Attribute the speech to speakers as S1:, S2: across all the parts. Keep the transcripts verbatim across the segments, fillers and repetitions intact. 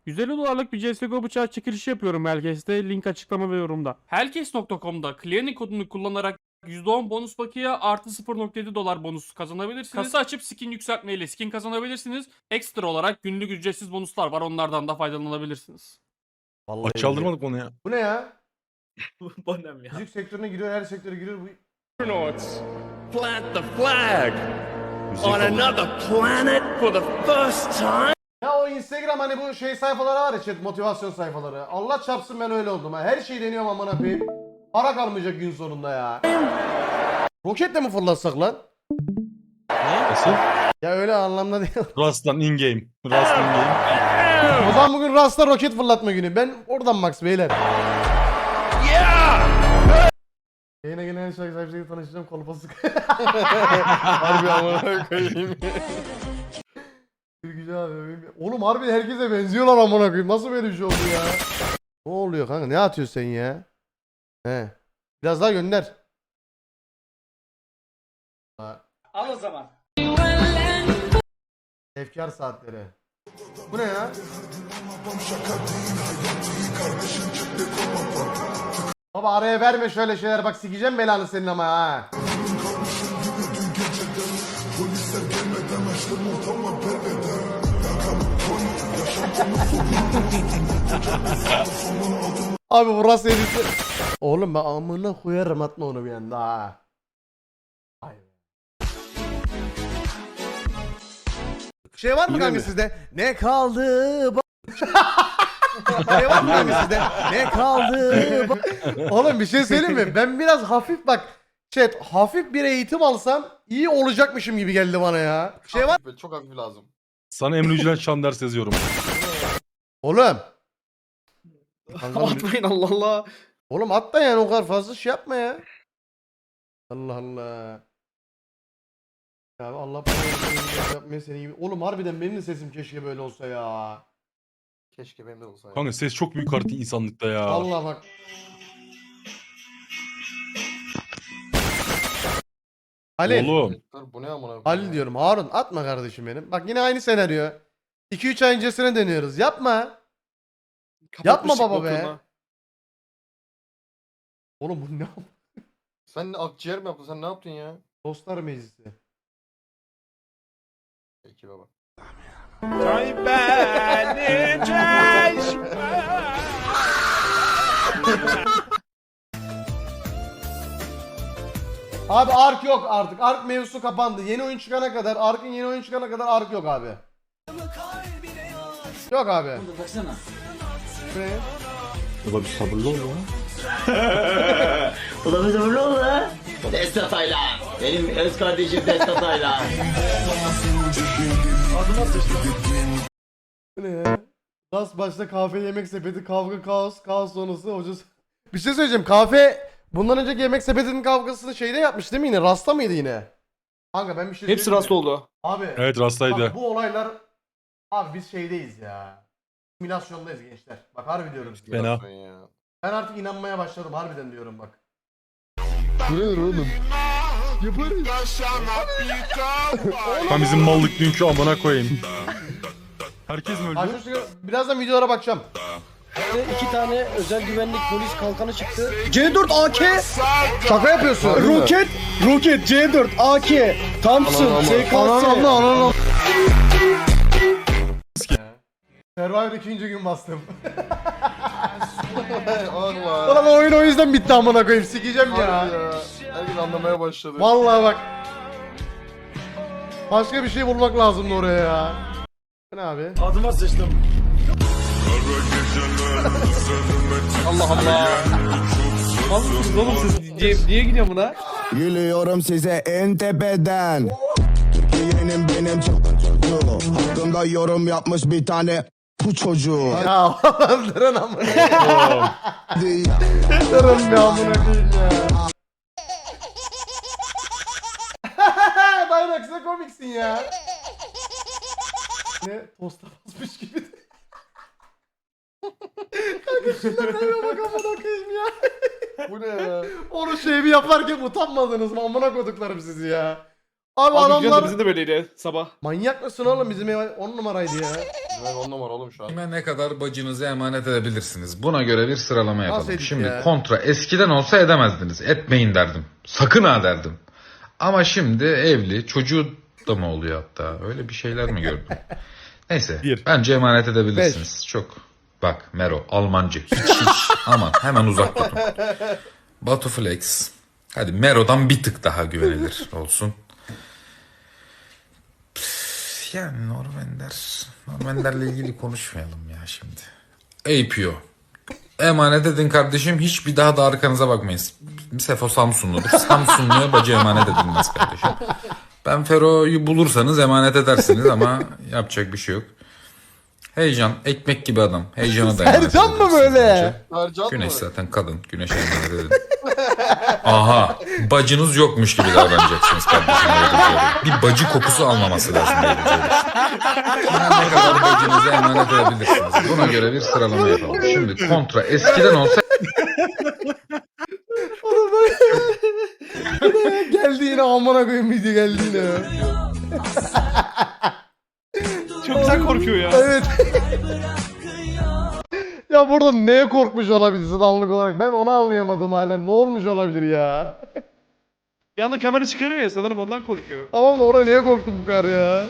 S1: yüz elli dolarlık bir C S G O bıçağı çekilişi yapıyorum Hellcase'de. Link açıklama ve yorumda. Hellcase nokta com'da Clearing kodunu kullanarak yüzde on bonus bakiye artı sıfır nokta yedi dolar bonus kazanabilirsiniz. Kasa açıp skin yükseltmeyle skin kazanabilirsiniz. Ekstra olarak günlük ücretsiz bonuslar var. Onlardan da faydalanabilirsiniz.
S2: Vallahi
S3: Aç çaldırmadık onu ya.
S2: Bu ne ya?
S4: Bonem ya.
S2: Müzik sektörüne giriyor, her sektöre giriyor. Bu...
S5: Plant the flag
S3: Müzik
S5: on
S3: alın.
S5: another planet for the first time.
S2: Ya o Instagram hani bu şey sayfaları var ya, chat, motivasyon sayfaları. Allah çarpsın ben öyle oldum ha. Her şeyi deniyorum amına koyayım. Para kalmayacak gün sonunda ya. Roketle mi fırlatsak lan?
S3: Nasıl?
S2: Ya öyle anlamda değil.
S3: Rust'tan in game. Rust'tan in game.
S2: O zaman bugün Rasta roket fırlatma günü. Ben oradan Max beyler. Yayına gelen her şarkı sahibiyle tanışacağım, kolpası. Harbi amına koyayım. Güzel abi. Oğlum harbi herkese benziyorlar amına koyayım. Nasıl böyle bir şey oldu ya? Ne oluyor kanka? Ne atıyorsun sen ya? He. Biraz daha gönder.
S4: Al o zaman.
S2: Efkar saatleri. Bu ne ya? Baba araya verme şöyle şeyler, bak sikeceğim belanı senin ama ha. Abi burası edildi. Oğlum ben amına koyarım, atma onu bir anda ha. Ay. Şey var mı
S3: Yine
S2: kanka
S3: mi?
S2: sizde? Ne kaldı? ba- şey var mı kanka sizde? Ne kaldı? ba- Oğlum bir şey söyleyeyim mi? Ben biraz hafif bak. Chat, hafif bir eğitim alsam iyi olacakmışım gibi geldi bana ya. Şey var.
S6: Hafif, çok hafif lazım.
S3: Sana Emre Yücelen şan ders yazıyorum.
S2: Oğlum. Kanka,
S6: Atmayın Allah Allah.
S2: oğlum at da yani, o kadar fazla şey yapma ya. Allah Allah. Ya Allah bana yapmaya senin gibi. Oğlum harbiden benim de sesim keşke böyle olsa ya.
S6: Keşke benim de olsa ya.
S3: Kanka ses çok büyük artık insanlıkta ya.
S2: Allah bak. Ali.
S3: Oğlum.
S6: Dur bu ne amına koyayım
S2: Ali
S6: ya?
S2: diyorum. Harun atma kardeşim benim. Bak yine aynı senaryo. iki üç ay öncesine dönüyoruz. Yapma. Yapma
S6: Kapatmıştık
S2: baba be.
S6: bokunu.
S2: Oğlum bu ne?
S6: Sen ne akciğer mi yaptın? Sen ne yaptın ya?
S2: Dostlar meclisi.
S6: Peki baba.
S2: Abi Ark yok artık. Ark mevzusu kapandı. Yeni oyun çıkana kadar, Ark'ın yeni oyun çıkana kadar Ark yok abi. Yok abi.
S4: Baksana.
S2: Ne?
S3: Baba bir sabırlı ol ya.
S7: Ulan bir sabırlı ol la. Destat Ayla. Benim öz kardeşim Destat Ayla.
S2: Bu ne ya? Gaz başta kahve yemek sepeti, kavga kaos, kaos sonrası hocası. Bir şey söyleyeceğim. Kahve bundan önceki yemek sepetinin kavgasını şeyde yapmış değil mi yine? Rasta mıydı yine? Kanka ben bir şey
S4: Hepsi
S2: söyleyeyim mi?
S4: rast oldu.
S2: Abi.
S3: Evet Rast'taydı.
S2: Bak bu olaylar, abi biz şeydeyiz ya. Simülasyondayız gençler. Bak harbi diyorum size.
S3: Fena.
S6: Sen ya.
S2: Ben artık inanmaya başladım harbiden diyorum bak.
S3: Ben bizim mallık dünkü amına koyayım. Herkes mi öldü?
S2: Açmış sigara- birazdan videolara bakacağım.
S8: İki tane özel güvenlik polis kalkanı çıktı. C dört A K,
S2: Şaka yapıyorsun.
S8: roket, roket C dört A K, Thompson, S K
S2: Anan
S8: S.
S2: anan anan. Survivor ikinci gün bastım.
S6: Allah.
S2: Ulan oyun o yüzden bitti amına koyayım, sikeceğim ya.
S6: Harbi ya. Herkes anlamaya başladı.
S2: Vallahi bak. Başka bir şey bulmak lazımdı oraya ya. Bu ne abi?
S4: Adıma sıçtım.
S6: Allah Allah.
S4: Almışsınız oğlum siz. Niye, niye gidiyor buna?
S9: Gülüyorum size en tepeden. Yeğenim benim çok çocuğu. Hakkında yorum yapmış bir tane bu çocuğu.
S2: Ya oğlum durun amına koyayım. Durun bir amına koyayım ya. Dynax ne komiksin ya. Ne tosta basmış gibi. Kanka şunlara bak amına koyayım ya.
S6: Bu ne ya?
S2: Onu şey bir yaparken utanmadınız mı amına koduklarım sizi ya. Abi,
S4: Abi
S2: adamlar
S4: bizim de böyleydi sabah.
S2: manyak mısın oğlum, bizim ev on numaraydı ya.
S6: Ben on numara oğlum şu an.
S10: Kime ne kadar bacınızı emanet edebilirsiniz? Buna göre bir sıralama yapalım.
S2: Nasıl edik
S10: Şimdi
S2: ya?
S10: kontra eskiden olsa edemezdiniz. Etmeyin derdim. Sakın ha derdim. Ama şimdi evli, çocuğu da mı oluyor hatta? Öyle bir şeyler mi gördüm? Neyse.
S3: Bir.
S10: Bence emanet edebilirsiniz. Çok. Bak Mero, Almancı. Hiç hiç. Aman hemen uzak tutun. Batu Flex. Hadi Mero'dan bir tık daha güvenilir olsun. Püf, yani Normender. Normender'le ilgili konuşmayalım ya şimdi. A P O. Emanet edin kardeşim. Hiç bir daha da arkanıza bakmayın. Sefo Samsunludur. Samsunlu'ya bacı emanet edilmez kardeşim. Ben Fero'yu bulursanız emanet edersiniz ama yapacak bir şey yok. Heyecan. Ekmek gibi adam. Heyecana da emanet
S2: Sercan mı
S10: edersiniz
S2: böyle?
S10: bence.
S6: Ercan mı?
S10: Güneş zaten kadın. Güneşe emanet edin. Aha. Bacınız yokmuş gibi davranacaksınız kardeşim. Bir bacı kokusu almaması lazım. Ne kadar bacınızı emanet edebilirsiniz. Buna göre bir sıralama yapalım. Şimdi kontra eskiden olsa
S2: Oğlum bak. Bu ne ya? Geldi yine amına koyayım video geldi yine ya.
S4: Çok güzel korkuyor ya.
S2: Evet. Ya burada neye korkmuş olabilirsin anlık olarak? Ben onu anlayamadım hala. Ne olmuş olabilir ya?
S4: Bir anda kamera çıkarıyor ya sanırım ondan korkuyor.
S2: Tamam da oraya niye korktu bu kadar ya?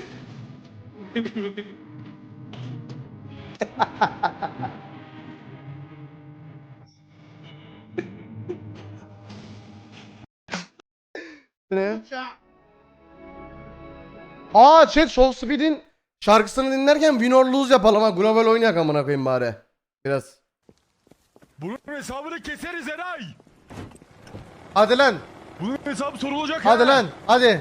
S2: Ne? Aa chat Show Speed'in şarkısını dinlerken win or lose yapalım ha. Global oynayak amına koyayım bari. Biraz.
S3: Bunun hesabını keseriz Eray.
S2: Hadi lan.
S3: Bunun hesabı sorulacak.
S2: Hadi
S3: ha.
S2: lan. Hadi.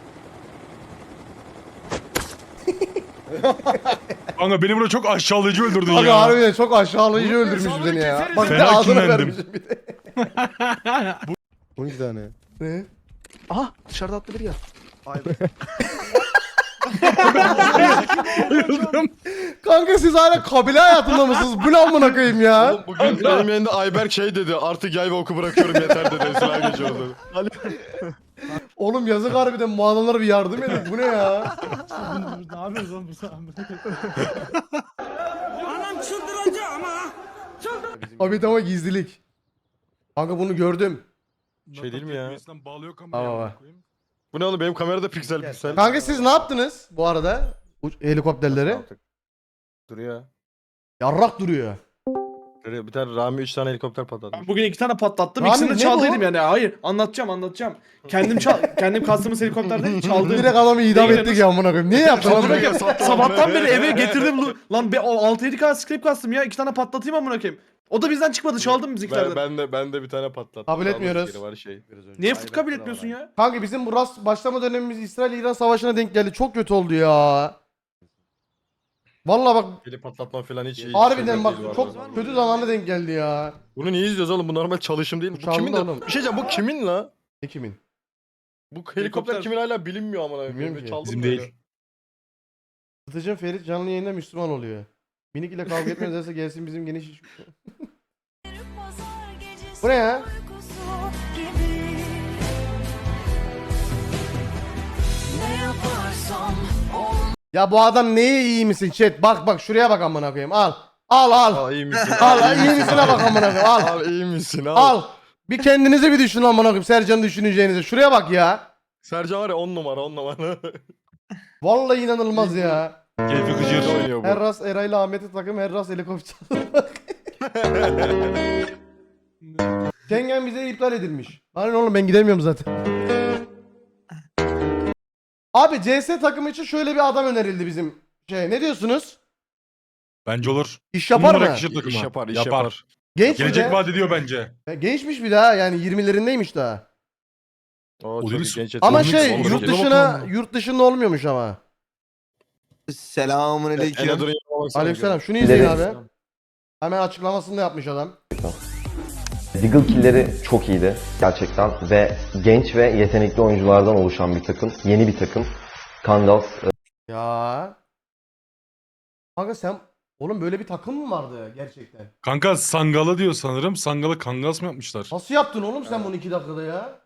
S3: Kanka beni burada çok aşağılayıcı öldürdün
S2: Abi
S3: ya.
S2: harbiden çok aşağılayıcı
S3: Bunun
S2: öldürmüş
S3: hesabını
S2: beni ya.
S3: keseriz.
S2: Bak bir de
S3: Fena
S2: ağzına
S3: kinlendim.
S2: vermişim bir de.
S6: on iki tane.
S2: Ne?
S6: Aha dışarıda attı biri ya.
S2: Kanka siz hala kabile hayatında mısınız? Bu ne amına koyayım ya?
S6: Bugün benim yanında Ayberk şey dedi. Artık yay ve oku bırakıyorum yeter dedi. Esra geçiyordu.
S2: Oğlum yazık harbiden bu adamlara bir yardım edin. Bu ne ya?
S4: Ne yapıyoruz oğlum bu
S2: Abi ama gizlilik. Kanka bunu gördüm.
S6: Şey değil mi ya?
S3: Bağlıyor
S2: Ama
S3: kamerayı.
S2: bak.
S6: Bu ne oğlum benim kamerada piksel piksel.
S2: Kanka siz ne yaptınız bu arada? Uç- helikopterleri.
S6: Duruyor.
S2: Yarrak duruyor.
S6: Duruyor. Bir tane Rami üç tane helikopter patladı.
S4: Ben bugün iki tane patlattım.
S2: Rami,
S4: İkisini
S2: ne
S4: de çaldıydım
S2: bu?
S4: yani. Hayır anlatacağım anlatacağım. Kendim çal kendim kastığımız helikopterde çaldım.
S2: Direkt adamı idam
S4: Değil,
S2: ettik ya amına koyayım. Niye yaptın lan
S4: Amına
S2: bunu?
S4: koyayım, sabahtan beri eve getirdim. lu- Lan be altı yedi K script kastım ya. İki tane patlatayım amına koyayım. O da bizden çıkmadı. Çaldım bizimkilerden.
S6: Ben, ben de ben de bir tane patlattım.
S2: Kabul etmiyoruz.
S6: Yeri Var şey.
S4: Niye fıt kabul etmiyorsun ya?
S2: Kanka bizim bu rast başlama dönemimiz İsrail-İran savaşına denk geldi. Çok kötü oldu ya. Vallahi bak
S6: Eli patlatma falan hiç iyi.
S2: harbiden
S6: şeyler
S2: bak
S6: değil bu
S2: çok
S6: arada.
S2: kötü zamanda denk geldi ya.
S6: Bunu niye izliyoruz oğlum? Bu normal çalışım değil mi? Bu
S2: Çaldı
S6: kimin de?
S2: oğlum.
S6: Bir şey diyeceğim bu kimin la?
S2: Ne kimin?
S6: Bu helikopter,
S4: Helikopter-
S6: kimin hala bilinmiyor amına
S2: Bilmiyorum
S6: koyayım.
S2: ki.
S6: Çaldım
S3: Bizim
S6: böyle.
S3: değil.
S2: Satıcım Ferit canlı yayında Müslüman oluyor. Minik ile kavga etmezlerse gelsin bizim geniş iş. Bu ne ya? Ya bu adam neye iyi misin chat? Bak bak şuraya bak amına koyayım. Al. Al al.
S6: Al iyi misin?
S2: Al iyi misine bak amına koyayım. Al.
S6: Al iyi misin? Al.
S2: Al. Bir kendinize bir düşünün amına koyayım. Sercan'ı düşüneceğinize. Şuraya bak ya.
S6: Sercan var ya on numara on numara.
S2: Vallahi inanılmaz ya.
S3: Keyfi gıcır.
S6: oynuyor bu.
S2: Herras Eray'la Ahmet'i takım Herras helikopter. Schengen bize iptal edilmiş. Hani oğlum ben gidemiyorum zaten. Abi C S takımı için şöyle bir adam önerildi bizim şey. Ne diyorsunuz?
S3: Bence olur.
S2: İş yapar
S3: Numara
S2: mı?
S3: kişi takımı.
S6: İş yapar, iş yapar.
S2: Genç mi
S3: Gelecek
S2: de?
S3: vaat ediyor bence.
S2: Ya Gençmiş bir daha yani yirmilerindeymiş daha.
S6: O
S3: O
S6: çok
S3: deniz-
S6: genç
S2: Ama
S6: yetenekli.
S2: şey
S6: Olur,
S2: yurt
S6: olur.
S2: dışına yurt dışında olmuyormuş ama.
S9: Selamun
S6: Enedur'un yanına baksana.
S2: Aleykümselam. Şunu izleyin abi. Hemen açıklamasını da yapmış adam.
S11: Deagle kill'leri çok iyiydi gerçekten ve genç ve yetenekli oyunculardan oluşan bir takım, yeni bir takım. Kangals
S2: Ya. Kanka sen oğlum böyle bir takım mı vardı gerçekten?
S3: Kanka Sangal'a diyor sanırım. Sangal'ı Kangas mı yapmışlar?
S2: Nasıl yaptın oğlum sen bunu iki dakikada ya?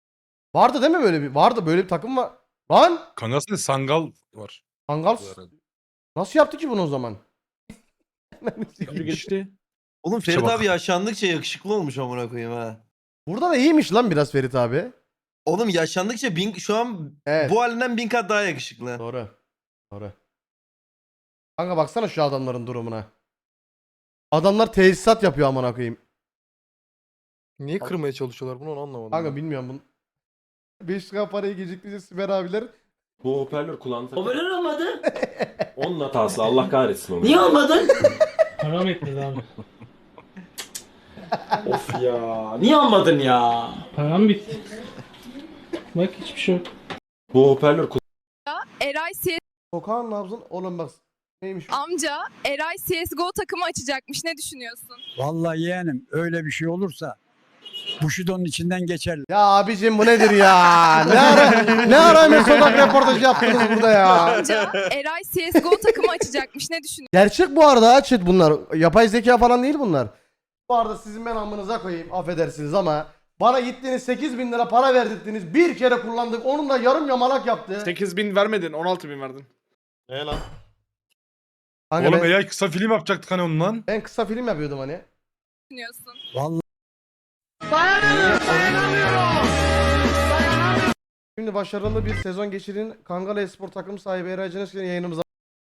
S2: Vardı değil mi böyle bir? Vardı böyle bir takım var. Lan!
S3: Kangas değil Sangal var.
S2: Kangal Nasıl yaptı ki bunu o zaman?
S4: Geçti.
S6: Oğlum
S3: Ferit İşte bak. abi
S6: yaşandıkça yakışıklı olmuş amına koyayım ha.
S2: Burada da iyiymiş lan biraz Ferit abi.
S6: Oğlum yaşandıkça bin, şu an
S2: Evet.
S6: bu halinden bin kat daha yakışıklı.
S2: Doğru. Doğru. Kanka baksana şu adamların durumuna. Adamlar tesisat yapıyor amına koyayım.
S6: Niye kırmaya çalışıyorlar bunu onu anlamadım.
S2: Kanka bilmiyorum bunu. beş lira parayı geciktiyse Süper abiler.
S5: Bu hoparlör kulağını
S7: Hoparlör olmadı.
S5: Onun hatası, Allah kahretsin onu.
S7: Niye olmadın?
S1: Param etmedi abi.
S7: Of ya. Niye olmadın ya?
S1: Param bitti. Bak hiçbir şey yok.
S5: Bu hoparlör
S12: Eray C S
S2: Sokağın nabzın oğlum bak. Neymiş?
S12: amca Eray C S G O takımı açacakmış. Ne düşünüyorsun?
S8: Vallahi yeğenim öyle bir şey olursa Bushido'nun içinden geçerler.
S2: Ya abicim bu nedir ya? Ne ara ne ara Enes Odak röportajı yaptınız burada ya?
S12: Amca Eray C S G O takımı açacakmış. Ne düşünüyorsun?
S2: Gerçek bu arada ha chat bunlar. Yapay zeka falan değil bunlar. Bu arada sizin ben amınıza koyayım affedersiniz ama bana gittiğiniz sekiz bin lira para verdirdiniz. Bir kere kullandık. Onun da yarım yamalak yaptı.
S4: sekiz bin vermedin, on altı bin verdin.
S6: Ne lan?
S2: Kanka
S3: Oğlum
S2: ben,
S3: eğer kısa film yapacaktık hani ondan.
S2: ben kısa film yapıyordum hani.
S8: Vallahi
S2: Şimdi başarılı bir sezon geçirin. Kangal Espor takım sahibi Eray Canesker'in yayınımıza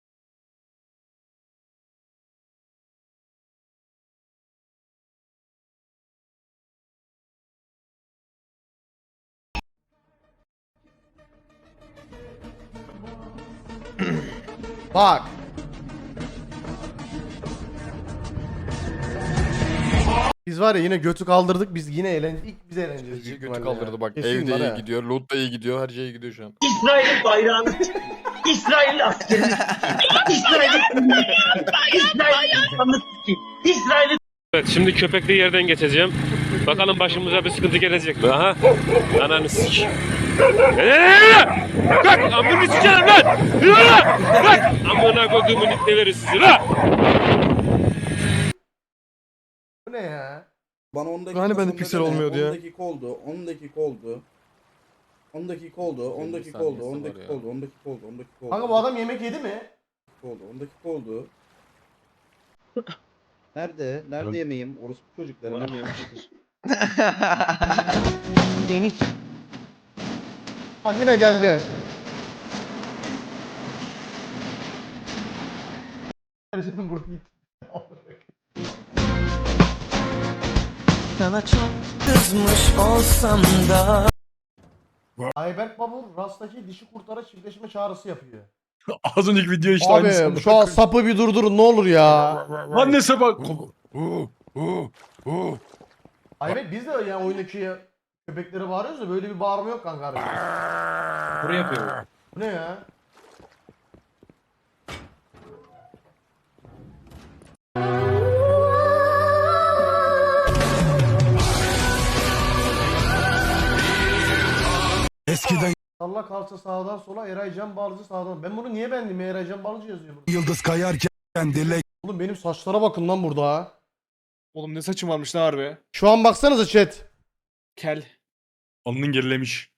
S2: bak. Biz var ya yine götü kaldırdık. Biz yine eğlendik. İlk biz eğleneceğiz. büyük
S6: Götü
S2: ihtimalle
S6: kaldırdı
S2: ya.
S6: bak.
S2: Kesin
S6: Evde
S2: var
S6: iyi
S2: ha.
S6: gidiyor, loot da iyi gidiyor, her şey iyi gidiyor şu an.
S7: İsrail bayrağını. İsrail askeri. İsrail. İsrail. İsrail.
S5: Evet, şimdi köpekli yerden geçeceğim. Bakalım başımıza bir sıkıntı gelecek mi? Aha. Ananı sik. Eee! Bak amını sikerim lan! Yürü lan! Bak! Amına koyduğumun ipneleri sizi lan!
S2: Bu ne ya?
S9: Bana on dakika
S6: Hani bende
S9: sonra
S6: piksel
S9: dene.
S6: olmuyordu ya.
S9: on dakika oldu, on dakika oldu. on dakika oldu, on dakika oldu, on dakika oldu, on dakika oldu, on dakika oldu.
S2: Kanka bu adam yemek yedi mi?
S9: oldu, on dakika oldu. Nerede? Nerede yemeğim? Orospu çocukları. Nerede yemiştir?
S2: Deniz. Bak yine geldi.
S7: Sana çok kızmış olsam da.
S2: Ayberk Babur Rast'taki dişi kurtara çiftleşme çağrısı yapıyor.
S3: Az önceki video işte aynısı.
S2: Abi şu an sapı bir durdurun ne olur ya.
S3: Lan neyse bak.
S2: Ayberk biz de yani oyundaki köpeklere bağırıyoruz da böyle bir bağırma yok kanka harbiden.
S5: Buraya yapıyorum.
S2: Bu ne ya?
S9: Eskiden
S2: Salla kalça sağdan sola Eray Can Balcı sağdan. Ben bunu niye beğendim ya? Eray Can Balcı yazıyor burada.
S9: yıldız kayarken dilek
S2: Oğlum benim saçlara bakın lan burada ha.
S4: Oğlum ne saçım varmış lan harbi.
S2: Şu an baksanıza chat.
S4: Kel.
S3: Alnın gerilemiş.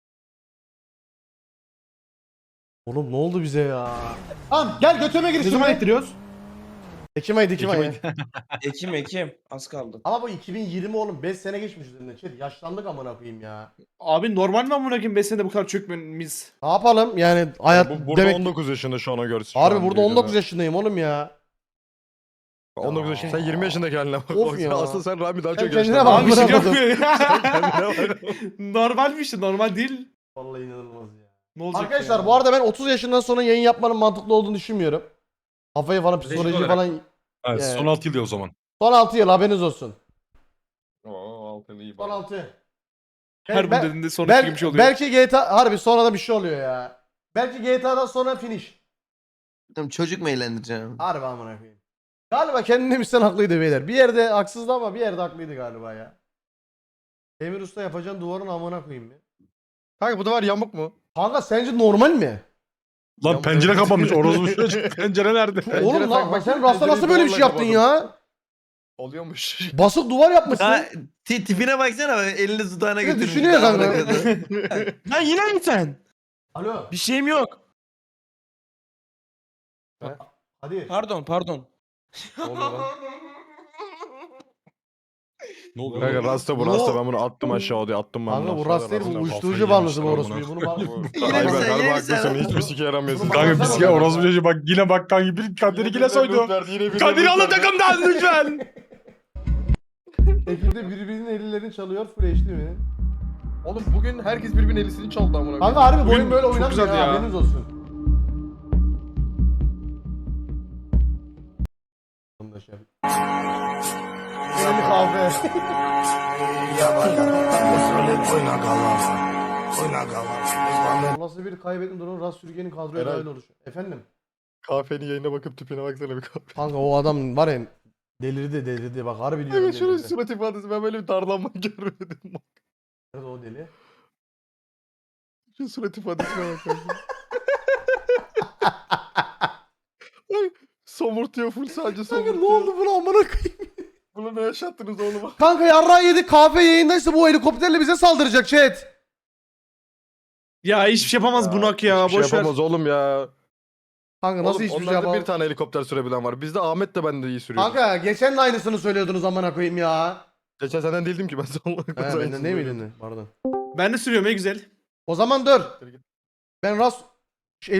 S2: Oğlum ne oldu bize ya? Tamam gel götüme gir
S4: Ne zaman
S2: şimdi.
S4: ettiriyoruz?
S2: Ekim ayı Ekim ayı.
S5: Ekim Ekim. Az kaldı.
S2: Ama bu iki bin yirmi oğlum beş sene geçmiş üzerinden chat. Yaşlandık amına koyayım ya.
S4: Abi normal mi amına koyayım beş senede bu kadar çökmemiz?
S2: Ne yapalım yani hayat
S6: Bu, burada
S2: demek.
S6: on dokuz yaşında şu ana görsün. şu
S2: Harbi
S6: an
S2: burada
S6: videoda.
S2: on dokuz yaşındayım oğlum ya.
S6: on dokuz yaşında. Sen yirmi yaşındaki haline bak.
S2: Of
S6: Bak
S2: ya.
S6: sen- Aslında sen Rami daha
S2: Sen
S6: çok
S2: kendine
S6: yaşlandın.
S2: bak.
S4: Abi bir şey
S2: Bırakmadım.
S4: yok. Normalmiş işte normal değil.
S2: Vallahi inanılmaz ya.
S4: Ne olacak
S2: Arkadaşlar
S4: ya?
S2: bu arada ben otuz yaşından sonra yayın yapmanın mantıklı olduğunu düşünmüyorum. Kafayı falan psikoloji
S3: olarak.
S2: falan.
S3: Ha,
S2: Evet.
S3: son altı yıl o zaman.
S2: Son altı yıl haberiniz olsun.
S6: Oo, altılı iyi
S2: Son
S6: bak.
S2: altı.
S4: Her bu
S2: Bel-
S4: dediğinde sonraki
S2: bel-
S4: gibi bir şey oluyor.
S2: Belki G T A harbi sonradan bir şey oluyor ya. Belki G T A'dan sonra finish.
S6: Çocuk mu eğlendireceğim?
S2: Harbi amına koyayım. Galiba kendine sen haklıydı beyler. Bir yerde haksızdı ama bir yerde haklıydı galiba ya. Emir Usta yapacağın duvarın amına koyayım mı?
S6: Kanka bu da var yamuk mu?
S2: Kanka sence normal mi?
S3: Lan
S6: Ya bu-
S3: pencere kapanmış. Orospu çocuk. Pencere nerede?
S2: Oğlum lan bak sen Rasta nasıl böyle bir şey yaptın ya?
S6: Oluyormuş.
S2: Basık duvar yapmışsın.
S6: tipine baksana elini dudağına
S2: Bir de düşünüyor kanka.
S6: Lan yine mi sen?
S2: Alo.
S6: Bir şeyim yok.
S2: Hadi.
S4: Pardon pardon.
S3: Ne oluyor?
S6: Kanka rasta bu rasta ben bunu attım aşağı diye attım ben
S2: Kanka
S6: bunu
S2: bu
S6: aşağıya,
S2: rast değil bu
S6: rasta.
S2: uyuşturucu bağlısı bu orospuyu. Bunu bağlı.
S6: Ayber harbi haklısın hiçbir sike yaramıyorsun.
S3: Kanka biz ya orospu çocuğu bak yine bak kanka bir Kadir'i yine soydu. Kadir alın takımdan lütfen.
S2: Ekipte birbirinin ellerini çalıyor full H D mi?
S6: Oğlum bugün herkes birbirinin elisini çaldı amına
S2: Kanka harbi bu oyun
S3: Bugün
S2: böyle
S3: çok
S2: oynanmıyor
S3: güzeldi
S2: ya,
S3: ya.
S2: haberiniz olsun. Yeni kahve. Nasıl bir kaybetme durumu Rast Sürgen'in kadroya
S6: Eray.
S2: dahil oluşu. Efendim?
S6: Kahvenin yayına bakıp tipine baksana bir kahve.
S2: Kanka o adam var ya delirdi delirdi bak harbi diyorum
S6: Kanka şunun
S2: delirdi.
S6: surat ifadesi ben böyle bir darlanma görmedim.
S2: Nerede o deli?
S6: Şu surat ifadesine bak kanka. Ay, somurtuyor full sadece somurtuyor.
S2: Kanka ne oldu buna amına koyayım?
S6: Bunu ne yaşattınız oğlum?
S2: Kanka yarrağı yedik kahve yayındaysa bu helikopterle bize saldıracak chat.
S4: Ya hiçbir şey yapamaz bunak ya.
S6: Hiçbir şey
S4: Boş ver.
S6: yapamaz oğlum ya.
S2: Kanka nasıl
S6: Oğlum,
S2: hiçbir şey
S6: onlarda
S2: yapamam?
S6: bir tane helikopter sürebilen var. Bizde Ahmet de ben de iyi sürüyor.
S2: Kanka geçen de aynısını söylüyordunuz amına koyayım ya.
S6: Geçen senden değildim ki ben sonuna
S2: He
S6: kadar.
S2: benden değil miydin? Pardon.
S4: Ben de sürüyorum ne güzel.
S2: O zaman dur. Ben Rast